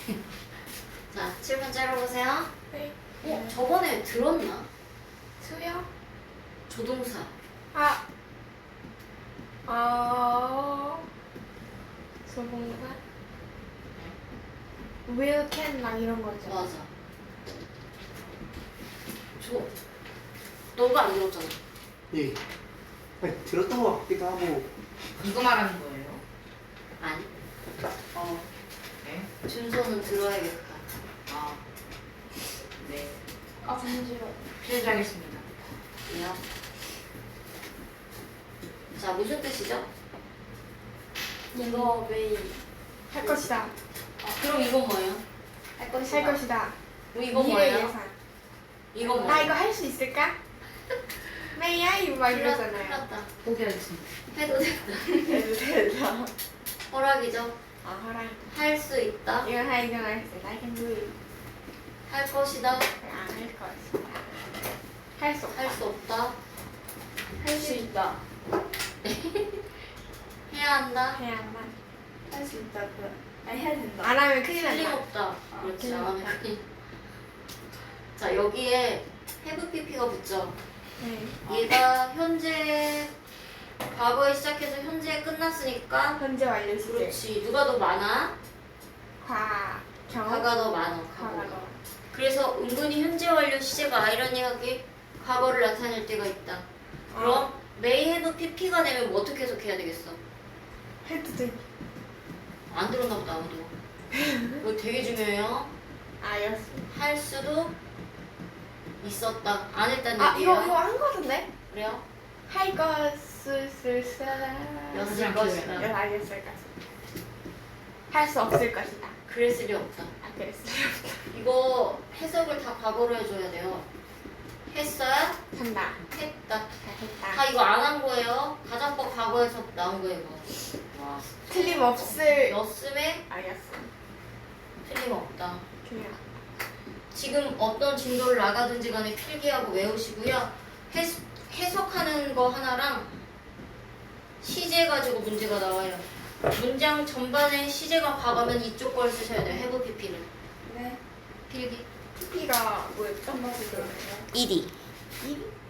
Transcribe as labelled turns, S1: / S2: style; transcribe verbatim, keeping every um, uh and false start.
S1: 자, 칠 번 째려보세요.
S2: 네.
S1: 어, 저번에 들었나?
S2: 수요?
S1: 조동사.
S2: 아. 어. 소봉사? will, can 막 이런 거죠.
S1: 맞아. 저, 너가 안 들었잖아.
S3: 예. 아니, 들었던 것 같기도 하고.
S4: 이거 말하는 거예요?
S1: 아니.
S4: 어. 네.
S1: 준서는 들어야겠다.
S4: 아. 네.
S2: 아, 간지러워.
S4: 필요하겠습니다.
S1: 왜요? 자, 무슨 뜻이죠?
S2: 이거 매일 할 것이다.
S1: 아, 그럼 이건 뭐예요? 할 것이다.
S2: 할 것이다.
S1: 그럼 이건
S2: 미래
S1: 뭐예요?
S2: 예산.
S1: 이건
S2: 나
S1: 뭐예요?
S2: 이거 할 수 있을까? 메이야 막
S1: 큰일
S2: 이러잖아요.
S1: 났다.
S4: 포기하겠습니다.
S1: 해도 된다.
S2: 해도 된다.
S1: 허락이죠.
S2: 아, 허락.
S1: 할 수 있다.
S2: 이건 할 이건 할 수 있다. I can do it.
S1: 할 것이다.
S2: 안할 것이다. 할 수 없다.
S1: 할 수 없다.
S4: 할 수 있다.
S1: 해야 한다.
S2: 해야 한다.
S4: 할 수 있다. 그. 아니 해야 된다.
S2: 안 하면 큰일 난다.
S1: 틀림없다. 그렇지.
S2: 틀림없다.
S1: 안 하면 큰일. 자, 여기에 have pp가 붙죠.
S2: 네.
S1: 얘가 현재 과거에 시작해서 현재에 끝났으니까
S2: 현재 완료 시제.
S1: 그렇지. 누가 더 많아?
S2: 과. 경.
S1: 과가 더 많아.
S2: 과가
S1: 과거가.
S2: 더.
S1: 그래서 은근히 현재 완료 시제가 아이러니하게 과거를 나타낼 때가 있다. 그럼 may have pp가 되면 뭐 어떻게 해석해야 되겠어?
S2: 해도 돼.
S1: 안 들었나 보다 아무도. 이거 되게 중요해요.
S2: 알았어.
S1: 할 수도 있었다. 안 했다는
S2: 아,
S1: 얘기예요.
S2: 이거 이거 한 거 같은데?
S1: 그래요?
S2: 할 것을 쓸
S1: 였을
S4: 그냥
S1: 것이다.
S2: 여 알겠을 것이다. 할 수 없을 것이다.
S1: 그랬을 리 없다.
S2: 아, 그랬어요.
S1: 이거 해석을 다 과거로 해줘야 돼요. 했어야?
S2: 한다.
S1: 했다. 다
S2: 잘했다.
S1: 이거 안 한 거예요. 가정법 과거에서 나온 거예요. 이거. 와.
S2: 틀림없을.
S1: 넣었음에
S2: 알겠어.
S1: 틀림없다.
S2: 그냥.
S1: 지금 어떤 진도를 나가든지 간에 필기하고 외우시고요. 해, 해석하는 거 하나랑 시제 가지고 문제가 나와요. 문장 전반에 시제가 과거면 이쪽 걸 쓰셔야 돼요. have pp를.
S4: 네.
S1: 필기.
S2: 피피가 뭐였죠?
S4: 한 번씩 들어요.
S1: ed.
S2: 일?